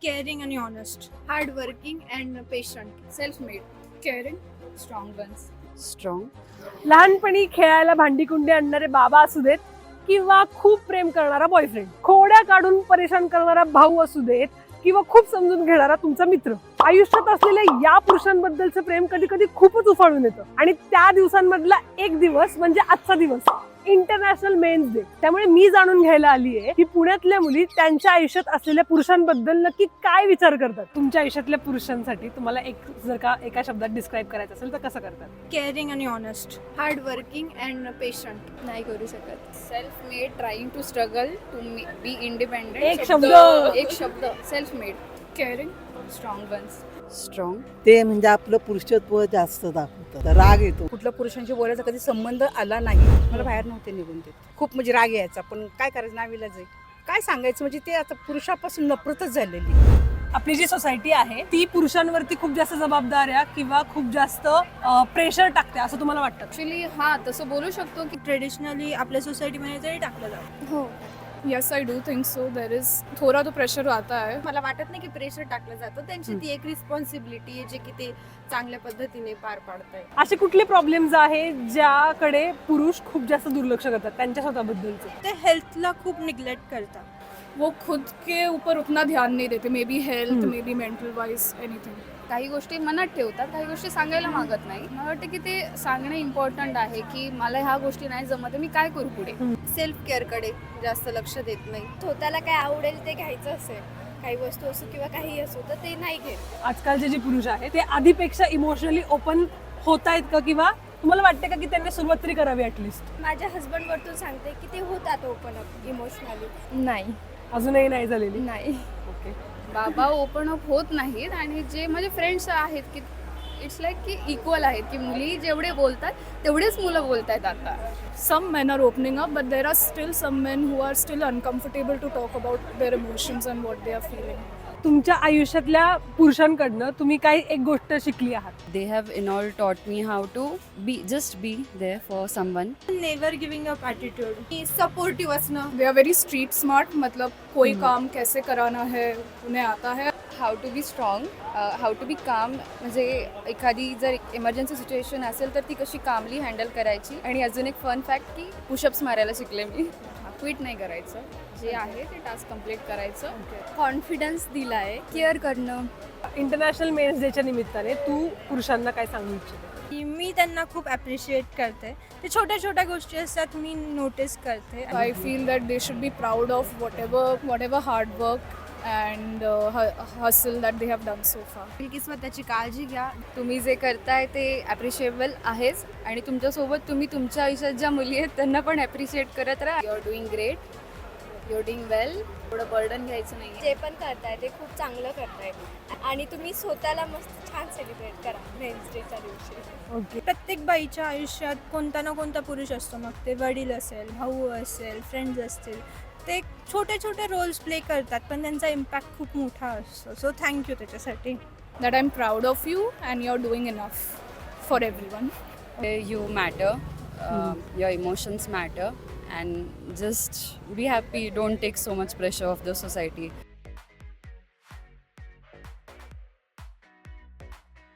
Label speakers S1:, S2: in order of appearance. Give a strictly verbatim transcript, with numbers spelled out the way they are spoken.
S1: caring and honest,
S2: hardworking and patient, self-made,
S3: caring, strong ones.
S4: Strong.
S5: लहानपणी खेळायला भांडीकुंडी आणणारे बाबा असू देत किंवा खूप प्रेम करणारा बॉयफ्रेंड, खोड्या काढून परेशान करणारा भाऊ असू देत किंवा खूप समजून घेणारा तुमचा मित्र, आयुष्यात असलेल्या या पुरुषांबद्दलचं प्रेम कधी कधी खूपच उफाळून येतं. आणि त्या दिवसांमधला एक दिवस म्हणजे आजचा दिवस, इंटरनॅशनल मेन्स डे. त्यामुळे मी जाणून घ्यायला आली आहे की पुण्यातल्या मुली त्यांच्या आयुष्यात असलेल्या पुरुषांबद्दल नक्की काय विचार करतात. तुमच्या आयुष्यातल्या पुरुषांसाठी तुम्हाला एक जर का एका शब्दात डिस्क्राईब करायचं असेल तर कसं करतात?
S1: caring and honest,
S2: hardworking and patient.
S3: नाही करू शकत. Self made, trying to struggle to be independent.
S5: एक शब्द.
S3: एक शब्द self made, caring, strong ones.
S4: Strong.
S6: ते म्हणजे आपलं पुरुषत्व जास्त दाखवतं. राग येतो.
S7: कुठल्या पुरुषांशी बोलायचा कधी संबंध आला नाही. मला बाहेर नव्हते निघून देत. खूप म्हणजे राग यायचा, पण काय करायचं, नाविलाज आहे. काय सांगायचं, म्हणजे ते आता पुरुषापासून नफरतच झालेली.
S5: आपली जी सोसायटी आहे ती पुरुषांवरती खूप जास्त जबाबदाऱ्या किंवा खूप जास्त प्रेशर टाकते असं तुम्हाला वाटतं?
S3: ऍक्च्युली हा तसं बोलू शकतो की
S1: ट्रेडिशनली आपल्या सोसायटीमध्ये तरी टाकलं जातं.
S3: हो. Yes I do think so. There is थोडा तो प्रेशर आता है.
S2: मला वाटत नाही की प्रेशर टाकलं जातं. त्यांची ती एक रिस्पॉन्सिबिलिटी आहे जे की ते चांगल्या पद्धतीने पार पाडताय.
S5: असे कुठले प्रॉब्लेम्स आहेत ज्याकडे पुरुष खूप जास्त दुर्लक्ष करतात त्यांच्या स्वतःबद्दलचे?
S1: ते हेल्थला खूप निग्लेक्ट करतात.
S3: वो खुद के ऊपर उतना ध्यान नहीं देते. Maybe health, maybe mental wise, anything. काही गोष्टी मनात ठेवतात, काही गोष्टी सांगायला मागत नाही. मला वाटतं की ते सांगणं इम्पॉर्टंट आहे की मला ह्या गोष्टी नाही जमत, मी काय करू पुढे.
S2: सेल्फ केअरकडे जास्त लक्ष देत नाही. स्वतःला काय आवडेल ते घ्यायचं असेल, काही वस्तू असो किंवा काही असो, तर ते नाही घेत.
S5: आजकालचे जे पुरुष आहेत ते आधीपेक्षा इमोशनली ओपन होत आहेत का, किंवा तुम्हाला वाटते का की त्यांनी सुरुवात तरी करावी ऍटलिस्ट?
S2: माझ्या हस्बंड वरतून सांगते की ते होतात ओपन अप इमोशनली.
S3: नाही
S5: अजूनही नाही झालेली?
S3: नाही
S5: ओके.
S3: बाबा ओपन अप होत नाहीत. आणि जे माझे फ्रेंड्स आहेत की इट्स लाईक की इक्वल आहेत की मुली जेवढे बोलतात तेवढेच मुलं बोलतात आता.
S8: Some men are opening up, but there are still some men who are still uncomfortable to talk about their emotions and what they are feeling.
S5: तुमच्या आयुष्यातल्या पुरुषांकडनं तुम्ही काही एक गोष्ट शिकली आहात?
S4: They have in all taught me how to be, just be there for someone.
S1: Never giving up attitude,
S2: की supportive असणं.
S8: They are very street smart. मतलब कोई काम कैसे कराना है उन्हें आता है.
S3: How to be strong, how to be calm. म्हणजे एखादी जर इमर्जन्सी सिच्युएशन असेल तर ती कशी कामली हँडल करायची. आणि अजून एक फन फॅक्ट की पुशअप्स मारायला शिकले मी. क्विट नाही करायचं, जे आहे ते टास्क कम्प्लीट करायचं.
S2: कॉन्फिडन्स दिलाय. केअर करणं.
S5: इंटरनॅशनल मेन्स डेच्या निमित्ताने तू पुरुषांना काय सांगू इच्छिते?
S1: की मी त्यांना खूप ॲप्रिशिएट करते. ते छोट्या छोट्या गोष्टी असतात मी नोटीस करते.
S8: I feel that they should be proud of whatever whatever hard work and uh, hu- hustle that they have done so far.
S2: की स्वतःची काळजी घ्या.
S3: तुम्ही जे करताय ते ॲप्रिशिएबल आहेच. आणि तुमच्यासोबत तुम्ही तुमच्या आयुष्यात ज्या मुली आहेत त्यांना पण ॲप्रिशिएट करत राहा. You are doing great, you are doing well. थोडं बर्डन घ्यायचं नाही.
S2: जे पण करताय ते खूप चांगलं करताय. आणि तुम्ही स्वतःला मस्त छान सेलिब्रेट करा मेन्स डेच्या दिवशी.
S5: ओके.
S1: प्रत्येक बाईच्या आयुष्यात कोणता ना कोणता पुरुष असतो. मग ते वडील असेल, भाऊ असेल, फ्रेंड्स असतील, ते छोटे छोटे रोल्स प्ले करतात पण त्यांचा इम्पॅक्ट खूप मोठा असतो. सो थँक्यू त्याच्यासाठी.
S8: That I'm proud of you and you're doing enough for everyone.
S4: You matter, uh, your emotions matter, and just be happy. Don't take so much pressure of the society.